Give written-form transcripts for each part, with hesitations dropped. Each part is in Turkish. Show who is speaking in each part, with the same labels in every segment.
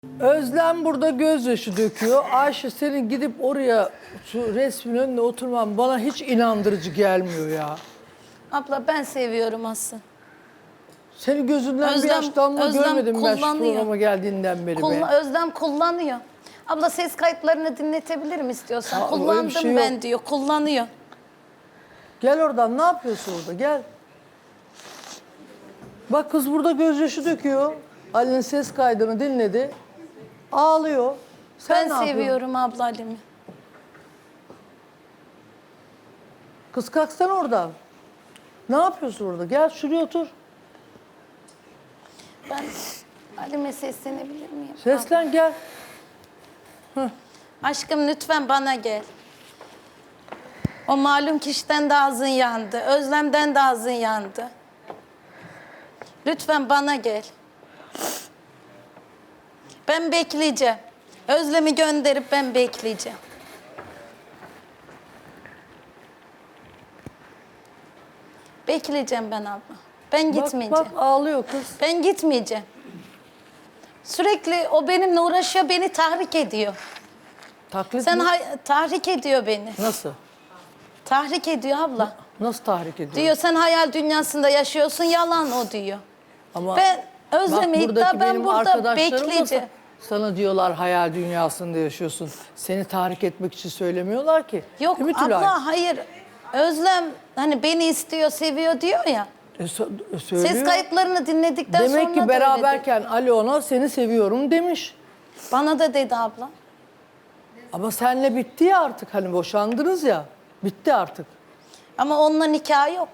Speaker 1: Özlem burada gözyaşı döküyor. Ayşe senin gidip oraya şu resmin önünde oturman bana hiç inandırıcı gelmiyor ya.
Speaker 2: Abla ben seviyorum aslında.
Speaker 1: Senin gözünden bir yaş damla görmedim ben şu programa geldiğinden beri be.
Speaker 2: Özlem kullanıyor. Abla ses kayıtlarını dinletebilirim istiyorsan.
Speaker 1: Aa, öyle bir
Speaker 2: Kullandım
Speaker 1: şey
Speaker 2: ben
Speaker 1: yok.
Speaker 2: diyor. Kullanıyor.
Speaker 1: Gel oradan, ne yapıyorsun orada, gel. Bak kız burada gözyaşı döküyor. Ali'nin ses kaydını dinledi. Ağlıyor. Sen
Speaker 2: Ben
Speaker 1: ne yapıyorsun?
Speaker 2: seviyorum abla Halim'i.
Speaker 1: Kız kalksana oradan. Ne yapıyorsun orada? Gel şuraya otur.
Speaker 2: Ben Halim'e seslenebilir miyim?
Speaker 1: Seslen gel.
Speaker 2: Aşkım lütfen bana gel. O malum kişiden de ağzın yandı. Özlem'den de ağzın yandı. Lütfen bana gel. Ben bekleyeceğim. Özlem'i gönderip ben bekleyeceğim. Bekleyeceğim ben abla. Ben gitmeyeceğim.
Speaker 1: Bak ağlıyor kız.
Speaker 2: Ben gitmeyeceğim. Sürekli o benimle uğraşıyor, beni tahrik ediyor.
Speaker 1: Taklit mi?
Speaker 2: Tahrik ediyor beni.
Speaker 1: Nasıl?
Speaker 2: Tahrik ediyor abla.
Speaker 1: Nasıl tahrik ediyor?
Speaker 2: Diyor sen hayal dünyasında yaşıyorsun, yalan o diyor.
Speaker 1: Ama
Speaker 2: Ben Özlem'i
Speaker 1: bak, buradaki
Speaker 2: iddia ben
Speaker 1: benim
Speaker 2: burada
Speaker 1: arkadaşlarım da
Speaker 2: bekleyeceğim.
Speaker 1: sana diyorlar hayal dünyasında yaşıyorsun. Seni tahrik etmek için söylemiyorlar ki.
Speaker 2: Yok
Speaker 1: Değil mi Tülay?
Speaker 2: abla hayır. Özlem hani beni istiyor, seviyor diyor ya.
Speaker 1: Söylüyor.
Speaker 2: Ses kayıtlarını dinledikten sonra
Speaker 1: Demek
Speaker 2: da
Speaker 1: ki
Speaker 2: öyle
Speaker 1: beraberken Ali ona seni seviyorum demiş.
Speaker 2: dedi. Bana da dedi abla.
Speaker 1: Ama senle bitti ya artık, hani boşandınız ya. Bitti artık.
Speaker 2: Ama onunla nikah yok.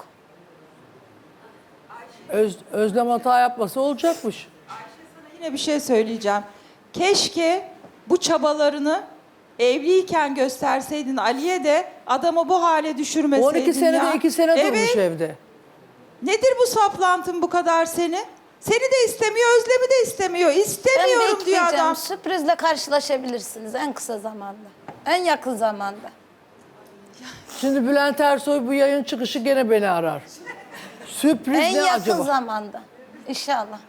Speaker 1: Özlem hata yapması olacakmış.
Speaker 3: Yine bir şey söyleyeceğim. Keşke bu çabalarını evliyken gösterseydin Ali'ye de adamı bu hale düşürmeseydin
Speaker 1: 12 senede
Speaker 3: ya.
Speaker 1: 2 sene
Speaker 3: Evet.
Speaker 1: durmuş evde.
Speaker 3: Nedir bu saplantın bu kadar seni? Seni de istemiyor, Özlem'i de istemiyor.
Speaker 2: Ben
Speaker 3: İstemiyorum diyor
Speaker 2: bekleyeceğim.
Speaker 3: adam.
Speaker 2: Sürprizle karşılaşabilirsiniz en kısa zamanda. En yakın zamanda.
Speaker 1: Şimdi Bülent Ersoy bu yayın çıkışı gene beni arar. Sürpriz
Speaker 2: En
Speaker 1: ne
Speaker 2: yakın
Speaker 1: acaba?
Speaker 2: zamanda. İnşallah.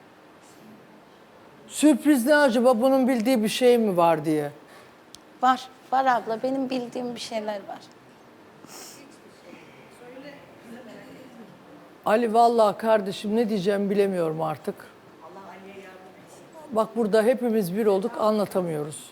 Speaker 1: Sürpriz ne acaba? Bunun bildiği bir şey mi var diye.
Speaker 2: Var. Var abla. Benim bildiğim bir şeyler var.
Speaker 1: Ali vallahi kardeşim ne diyeceğimi bilemiyorum artık. Bak burada hepimiz bir olduk, anlatamıyoruz.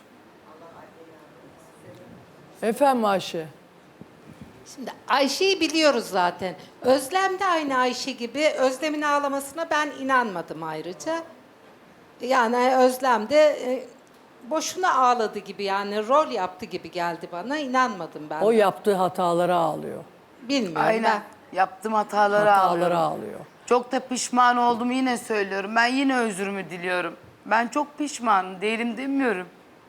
Speaker 1: Efendim Ayşe?
Speaker 4: Şimdi Ayşe'yi biliyoruz zaten. Özlem de aynı Ayşe gibi. Özlem'in ağlamasına ben inanmadım ayrıca. Yani Özlem de boşuna ağladı gibi, yani rol yaptı gibi geldi bana. İnanmadım ben.
Speaker 1: O yaptığı hatalara ağlıyor.
Speaker 4: Bilmiyorum
Speaker 5: Aynen. Yaptığım hataları
Speaker 1: Hatalara
Speaker 5: ağlıyorum.
Speaker 1: ağlıyor.
Speaker 5: Çok da pişman oldum, yine söylüyorum. Ben yine özrümü diliyorum. Ben çok pişman değilim demiyorum.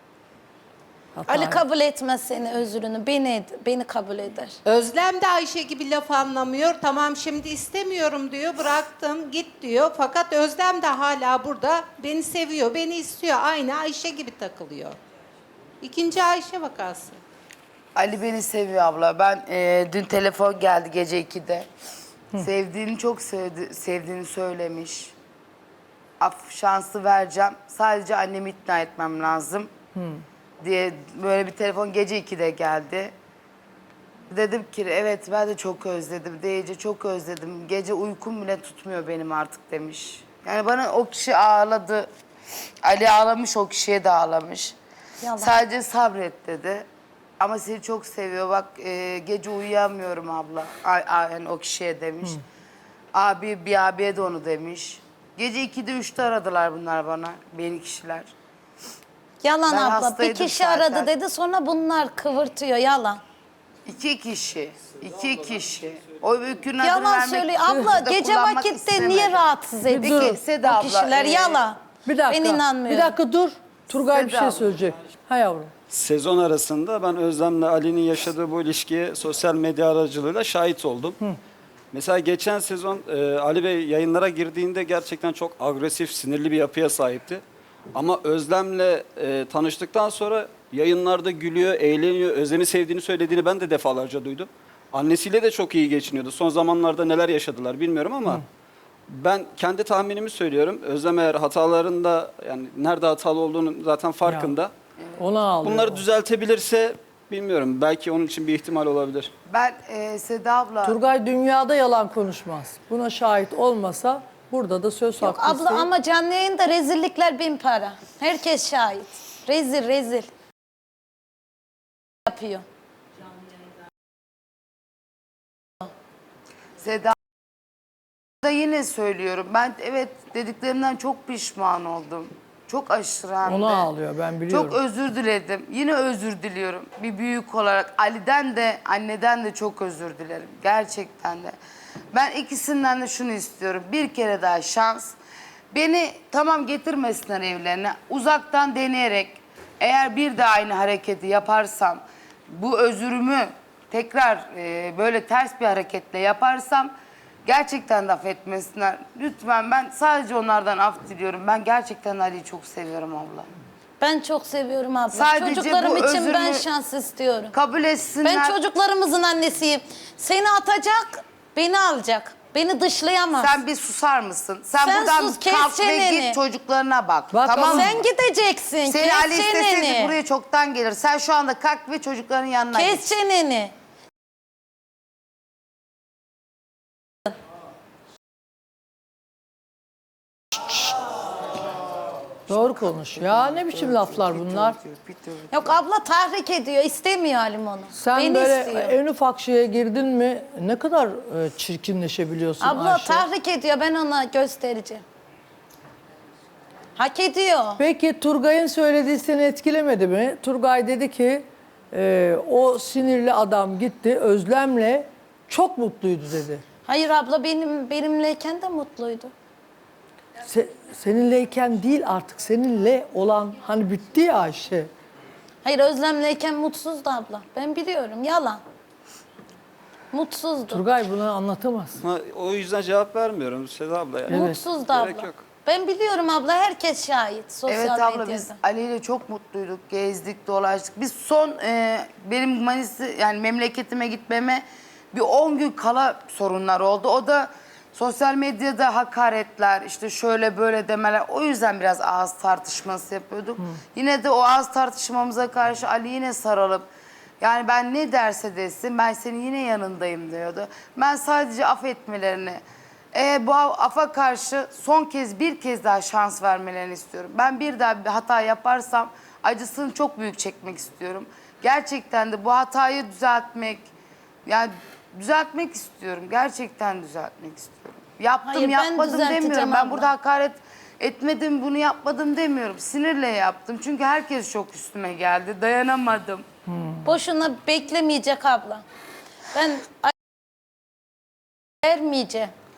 Speaker 1: Hata
Speaker 2: Ali kabul etmez seni özrünü. Beni kabul eder.
Speaker 4: Özlem de Ayşe gibi laf anlamıyor. Tamam şimdi istemiyorum diyor, bıraktım git diyor. Fakat Özlem de hala burada beni seviyor, beni istiyor. Aynı Ayşe gibi takılıyor. İkinci Ayşe vakası.
Speaker 5: Ali beni seviyor abla. Ben dün telefon geldi gece 2'de. Sevdiğini çok sevdiğini söylemiş. Şansı vereceğim. Sadece annemi ikna etmem lazım. Diye böyle bir telefon gece 2'de geldi. Dedim ki evet ben de çok özledim. Deyince çok özledim. Gece uykum bile tutmuyor benim artık demiş. Yani bana o kişi ağladı. Ali ağlamış, o kişiye de ağlamış.
Speaker 2: Yalan.
Speaker 5: Sadece sabret dedi. Ama seni çok seviyor. Bak gece uyuyamıyorum abla. Yani o kişiye demiş. Bir abiye de onu demiş. Gece 2'de 3'te aradılar bunlar bana. Beni kişiler.
Speaker 2: Yalan
Speaker 5: Ben
Speaker 2: abla. Bir
Speaker 5: hastaydım
Speaker 2: kişi
Speaker 5: zaten.
Speaker 2: aradı dedi sonra bunlar kıvırtıyor. Yalan.
Speaker 5: 2 kişi. 2 kişi. O öykünün adını
Speaker 2: Yalan
Speaker 5: vermek
Speaker 2: söylüyor.
Speaker 5: için
Speaker 2: Abla
Speaker 5: de
Speaker 2: gece
Speaker 5: kullanmak
Speaker 2: vakitte
Speaker 5: istemedim.
Speaker 2: niye rahatsız ediyor?
Speaker 5: Peki Seda
Speaker 2: Bu
Speaker 5: abla,
Speaker 2: kişiler yalan.
Speaker 1: Bir dakika.
Speaker 2: Ben inanmıyorum.
Speaker 1: Bir dakika dur. Turgay bir
Speaker 5: Seda
Speaker 1: şey
Speaker 5: abla.
Speaker 1: söyleyecek. Ha yavrum.
Speaker 6: Sezon arasında ben Özlem'le Ali'nin yaşadığı bu ilişkiye sosyal medya aracılığıyla şahit oldum. Mesela geçen sezon Ali Bey yayınlara girdiğinde gerçekten çok agresif, sinirli bir yapıya sahipti. Ama Özlem'le tanıştıktan sonra yayınlarda gülüyor, eğleniyor, Özlem'i sevdiğini söylediğini ben de defalarca duydum. Annesiyle de çok iyi geçiniyordu. Son zamanlarda neler yaşadılar bilmiyorum ama Ben kendi tahminimi söylüyorum. Özlem eğer hatalarında, yani nerede hatalı olduğunu zaten farkında.
Speaker 1: Ona ağlıyor.
Speaker 6: Bunları düzeltebilirse bilmiyorum. Belki onun için bir ihtimal olabilir.
Speaker 5: Ben Seda abla...
Speaker 1: Turgay dünyada yalan konuşmaz. Buna şahit olmasa burada da söz
Speaker 2: Yok
Speaker 1: hakkı
Speaker 2: abla
Speaker 1: isteyin.
Speaker 2: ama canlı yayında rezillikler 1000 para. Herkes şahit. Rezil. Yapıyor.
Speaker 5: Seda da yine söylüyorum. Ben evet dediklerimden çok pişman oldum. Çok aşırı hem de.
Speaker 1: Ona ağlıyor, ben biliyorum.
Speaker 5: Çok özür diledim. Yine özür diliyorum. Bir büyük olarak Ali'den de anneden de çok özür dilerim. Gerçekten de. Ben ikisinden de şunu istiyorum. Bir kere daha şans. Beni tamam getirmesinler evlerine. Uzaktan deneyerek eğer bir daha aynı hareketi yaparsam, bu özürümü tekrar böyle ters bir hareketle yaparsam gerçekten de affetmesinler. Lütfen, ben sadece onlardan af diliyorum. Ben gerçekten Ali'yi çok seviyorum abla.
Speaker 2: Ben çok seviyorum abla.
Speaker 5: Sadece
Speaker 2: Çocuklarım
Speaker 5: bu
Speaker 2: için ben
Speaker 5: özürümü
Speaker 2: şans istiyorum.
Speaker 5: Kabul etsinler.
Speaker 2: Ben çocuklarımızın annesiyim. Seni atacak, beni alacak. Beni dışlayamaz.
Speaker 5: Sen bir susar mısın? Sen
Speaker 2: Sen
Speaker 5: buradan
Speaker 2: sus, kes
Speaker 5: kalk ve
Speaker 2: çeneni.
Speaker 5: git çocuklarına bak.
Speaker 1: Bak
Speaker 5: tamam mı?
Speaker 2: Sen gideceksin.
Speaker 5: Seni
Speaker 2: kes
Speaker 5: Ali isteseydi
Speaker 2: çeneni.
Speaker 5: buraya çoktan gelir. Sen şu anda kalk ve çocukların yanına
Speaker 2: Kes
Speaker 5: git.
Speaker 2: çeneni.
Speaker 1: Doğru konuş. Ya ne biçim laflar bunlar?
Speaker 2: Yok abla tahrik ediyor. İstemiyor Halim onu.
Speaker 1: Sen
Speaker 2: Beni
Speaker 1: böyle
Speaker 2: istiyor.
Speaker 1: en ufak şeye girdin mi ne kadar çirkinleşebiliyorsun
Speaker 2: Abla
Speaker 1: Ayşe.
Speaker 2: tahrik ediyor. Ben ona göstereceğim. Hak ediyor.
Speaker 1: Peki Turgay'ın söylediği seni etkilemedi mi? Turgay dedi ki o sinirli adam gitti Özlem'le çok mutluydu dedi.
Speaker 2: Hayır abla benimleyken de mutluydu.
Speaker 1: Seninleyken değil artık seninle olan hani bitti ya Ayşe.
Speaker 2: Hayır Özlem'leyken mutsuzdu abla. Ben biliyorum. Yalan. Mutsuzdu.
Speaker 1: Turgay bunu anlatamaz.
Speaker 6: Ama o yüzden cevap vermiyorum Seda abla. Yani.
Speaker 2: Mutsuzdu
Speaker 6: Gerek
Speaker 2: abla.
Speaker 6: yok.
Speaker 2: Ben biliyorum abla. Herkes şahit. Sosyal
Speaker 5: Evet abla,
Speaker 2: medyada.
Speaker 5: biz Ali ile çok mutluyduk. Gezdik, dolaştık. Biz son benim Manisa yani memleketime gitmeme bir 10 gün kala sorunlar oldu. O da sosyal medyada hakaretler, işte şöyle böyle demeler. O yüzden biraz ağız tartışması yapıyorduk. Yine de o ağız tartışmamıza karşı Ali yine sarılıp yani ben ne derse desin ben senin yine yanındayım diyordu. Ben sadece affetmelerini, bu afa karşı son kez bir kez daha şans vermelerini istiyorum. Ben bir daha bir hata yaparsam acısını çok büyük çekmek istiyorum. Gerçekten de bu hatayı düzeltmek, yani düzeltmek istiyorum. Gerçekten düzeltmek istiyorum. Yaptım
Speaker 2: Hayır, ben
Speaker 5: yapmadım
Speaker 2: düzelteceğim
Speaker 5: demiyorum. Ben
Speaker 2: abla.
Speaker 5: burada hakaret etmedim, bunu yapmadım demiyorum. Sinirle yaptım. Çünkü herkes çok üstüme geldi. Dayanamadım.
Speaker 2: Boşuna beklemeyecek abla. Ben vermeyeceğim.